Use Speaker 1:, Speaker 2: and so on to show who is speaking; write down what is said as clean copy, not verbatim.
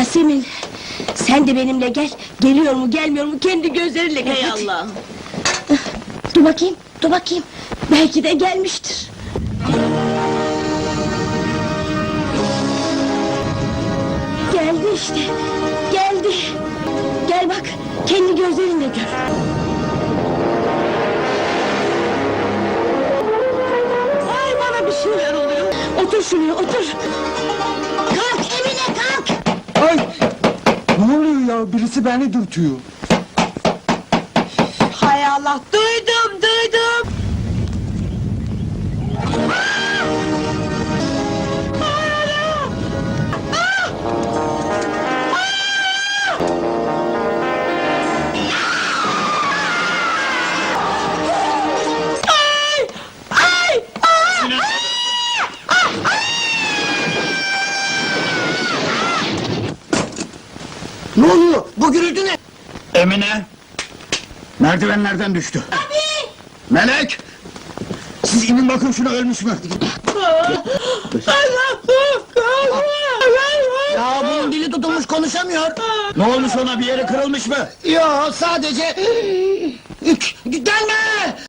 Speaker 1: Yasemin, sen de benimle gel. Geliyor mu gelmiyor mu kendi gözlerinle gör.
Speaker 2: Hey
Speaker 1: hadi.
Speaker 2: Allah'ım!
Speaker 1: Dur bakayım, dur bakayım. Belki de gelmiştir. Geldi işte, geldi. Gel bak, kendi gözlerinle gör. Ay bana bir şeyler oluyor. Otur şuraya, otur. Kalk Emine, kalk.
Speaker 3: Ay! Ne oluyor ya? Birisi beni dürtüyor.
Speaker 2: Hay Allah! Duydum, duydum!
Speaker 3: Ne oluyor? Bu gürültü ne?
Speaker 4: Emine! Merdivenlerden düştü. Melek! Siz inin bakın şuna, ölmüş mü?
Speaker 3: Ya bunun dili tutulmuş, konuşamıyor.
Speaker 4: Ne olmuş ona, bir yeri kırılmış mı?
Speaker 3: Ya sadece... Gelme!